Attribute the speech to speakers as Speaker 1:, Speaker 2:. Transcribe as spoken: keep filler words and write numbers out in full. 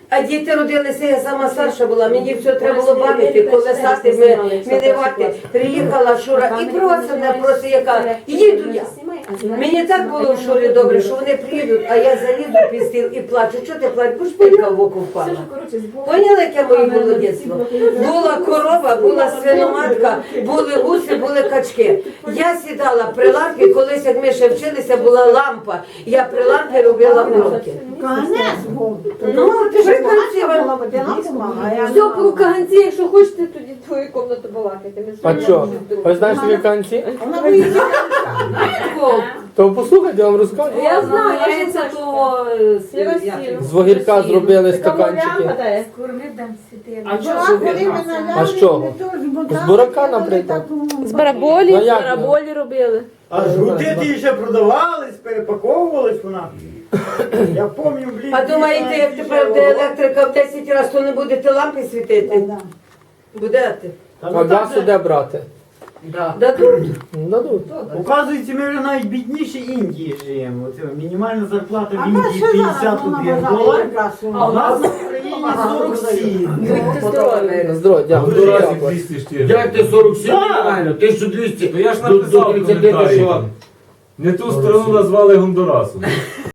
Speaker 1: А діти родилися, я сама старша була, мені все треба було бавити, колесати, ми, мінивати. Приїхала Шура і просто не просто яка, їду я. Мені так було в Шурі добре, що вони приїдуть, а я залізу під стіл і плачу. Чого ти плачеш? Бо ж пилька в око впала. Поняли, яке моє було дитинство? Була корова, була свиноматка, були гуси, були качки. Я сідала при лампі, колись, як ми ще вчилися, була лампа. Я при лампі робила уроки. Ну, ти ж красива.
Speaker 2: Все, по каганці, якщо хочете, тоді твою кімнату балакайте.
Speaker 3: А що? Ви знаєш такі канці?
Speaker 1: О,
Speaker 3: То послухайте, я вам розкажу.
Speaker 2: Я знаю, я
Speaker 1: Це
Speaker 2: це
Speaker 1: то...
Speaker 3: З вогірка зробили стаканчики.
Speaker 1: А чого ж ви?
Speaker 3: А з чого? З бурака, наприклад.
Speaker 2: З бараболі,
Speaker 3: Ну,
Speaker 2: з
Speaker 3: як?
Speaker 2: бараболі робили.
Speaker 4: А жгути ті ще продавались, перепаковувались вона. Я пам'ятаю, блін.
Speaker 1: А думаєте, як тепер буде електрика в десять разів, то не будете лампи світити? Будете?
Speaker 3: А газ де брати?
Speaker 1: Дадуть.
Speaker 3: Дадуть.
Speaker 4: Оказується, ми вже навіть бідніше Індії живемо. Оце мінімальна зарплата в Індії п'ятдесят один долар, а у нас в Україні сорок сім.
Speaker 1: Будьте здорові.
Speaker 3: Здорово, дякую.
Speaker 5: Гондурасі
Speaker 3: Дякую.
Speaker 5: двісті чотири.
Speaker 6: Як ти сорок сім нормально? тисяча двісті
Speaker 5: То я ж
Speaker 6: до, до
Speaker 5: написав в
Speaker 6: тридцяти
Speaker 5: коментарі.
Speaker 6: що?
Speaker 5: Не ту страну назвали Гондурасом.